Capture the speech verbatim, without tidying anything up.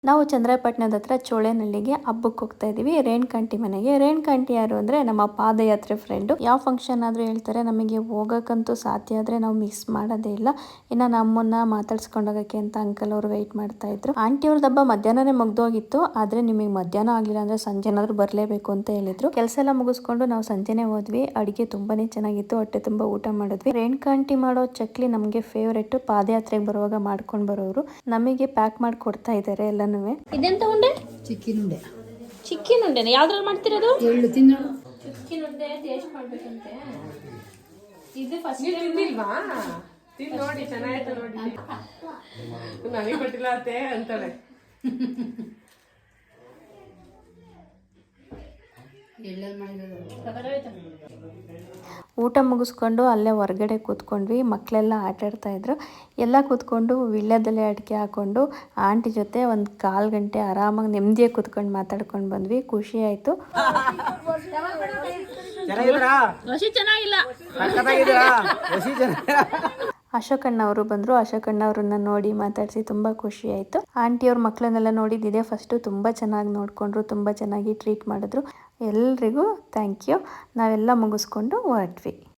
ನಾವು ಚಂದ್ರಾಯಪಟ್ಟಣದ ಹತ್ರ ಚೋಳೇನಹಳ್ಳಿಗೆ ಹಬ್ಬಕ್ಕೆ ಹೋಗ್ತಾ ಇದೀವಿ. ರೇಣುಕಾಂಟಿ ಮನೆಗೆ. ರೇಣುಕಾಂಟಿ ಯಾರು ಅಂದ್ರೆ ನಮ್ಮ ಪಾದಯಾತ್ರೆ ಫ್ರೆಂಡು. ಯಾವ ಫಂಕ್ಷನ್ ಆದ್ರೂ ಹೇಳ್ತಾರೆ, ನಮಗೆ ಹೋಗಕ್ಕಂತೂ ಸಾಧ್ಯ ಆದ್ರೆ ನಾವು ಮಿಸ್ ಮಾಡೋದೇ ಇಲ್ಲ. ಇನ್ನ ನಮ್ಮನ್ನ ಮಾತಾಡ್ಸ್ಕೊಂಡು ಹೋಗಕ್ಕೆ ಅಂತ ಅಂಕಲ್ ಅವರು ವೆಯ್ಟ್ ಮಾಡ್ತಾ ಇದ್ರು. ಆಂಟಿ ಅವ್ರದ್ದು ಹಬ್ಬ ಮಧ್ಯಾಹ್ನನೇ ಮುಗ್ದೋಗಿತ್ತು. ಆದ್ರೆ ನಿಮಗೆ ಮಧ್ಯಾಹ್ನ ಆಗ್ಲಿಲ್ಲ ಅಂದ್ರೆ ಸಂಜೆನಾದ್ರೂ ಬರ್ಲೇಬೇಕು ಅಂತ ಹೇಳಿದ್ರು. ಕೆಲಸ ಎಲ್ಲ ಮುಗಿಸ್ಕೊಂಡು ನಾವು ಸಂಜೆನೆ ಹೋದ್ವಿ. ಅಡಿಗೆ ತುಂಬಾನೇ ಚೆನ್ನಾಗಿತ್ತು. ಹೊಟ್ಟೆ ತುಂಬಾ ಊಟ ಮಾಡಿದ್ವಿ. ರೇಣುಕಾಂಟಿ ಮಾಡೋ ಚಕ್ಲಿ ನಮ್ಗೆ ಫೇವ್ರೇಟ್. ಪಾದಯಾತ್ರೆಗೆ ಬರುವಾಗ ಮಾಡ್ಕೊಂಡು ಬರೋರು. ನಮಗೆ ಪ್ಯಾಕ್ ಮಾಡಿ ಕೊಡ್ತಾ ಇದ್ದಾರೆ ಎಲ್ಲ. ಇದೆಂತ ಉಂಡೆ? ಚಿಕ್ಕಿನ ಉಂಡೆ. ಚಿಕ್ಕಿನ ಉಂಡೆನ ಯಾವ್ದ್ರಲ್ಲಿ ಮಾಡ್ತಿರೋದು? ಎಳ್ಳು ತಿನ್ನೋಣ. ಚಿಕ್ಕಿನ ಉಂಡೆ ಟೇಸ್ಟ್ ಮಾಡ್ಬೇಕಂತೆ. ಇದು ಫಸ್ಟ್ ತಿಂದಿಲ್ವಾ? ತಿಂದು ನೋಡಿ, ಚೆನ್ನಾಗಿತ್ತು ನೋಡಿ. ನನಗೆ ಕೊಟ್ಟಿಲ್ಲ ಅತ್ತೆ ಅಂತಾಳೆ. ಎಳ್ಳಲ್ಲಿ ಮಾಡಿರೋದು. ಊಟ ಮುಗಿಸ್ಕೊಂಡು ಅಲ್ಲೇ ಹೊರಗಡೆ ಕೂತ್ಕೊಂಡ್ವಿ. ಮಕ್ಕಳೆಲ್ಲ ಆಟ ಆಡ್ತಾ ಇದ್ರು. ಎಲ್ಲ ಕೂತ್ಕೊಂಡು ವಿಳ್ಯದೆಲೆ ಅಡಿಕೆ ಹಾಕೊಂಡು ಆಂಟಿ ಜೊತೆ ಒಂದು ಕಾಲು ಗಂಟೆ ಆರಾಮಾಗಿ ನೆಮ್ಮದಿಯಾಗಿ ಕೂತ್ಕೊಂಡು ಮಾತಾಡ್ಕೊಂಡು ಬಂದ್ವಿ. ಖುಷಿ ಆಯಿತು. ಚೆನ್ನಾಗಿಲ್ಲ. ಅಶೋಕಣ್ಣ ಅವರು ಬಂದರು. ಅಶೋಕಣ್ಣ ಅವ್ರನ್ನ ನೋಡಿ ಮಾತಾಡಿಸಿ ತುಂಬ ಖುಷಿ ಆಯಿತು. ಆಂಟಿಯವ್ರ ಮಕ್ಕಳನ್ನೆಲ್ಲ ನೋಡಿದ್ದಿದೆ ಫಸ್ಟು. ತುಂಬ ಚೆನ್ನಾಗಿ ನೋಡಿಕೊಂಡ್ರು, ತುಂಬ ಚೆನ್ನಾಗಿ ಟ್ರೀಟ್ ಮಾಡಿದ್ರು. ಎಲ್ರಿಗೂ ಥ್ಯಾಂಕ್ ಯು. ನಾವೆಲ್ಲ ಮುಗಿಸ್ಕೊಂಡು ಹೊರಟ್ವಿ.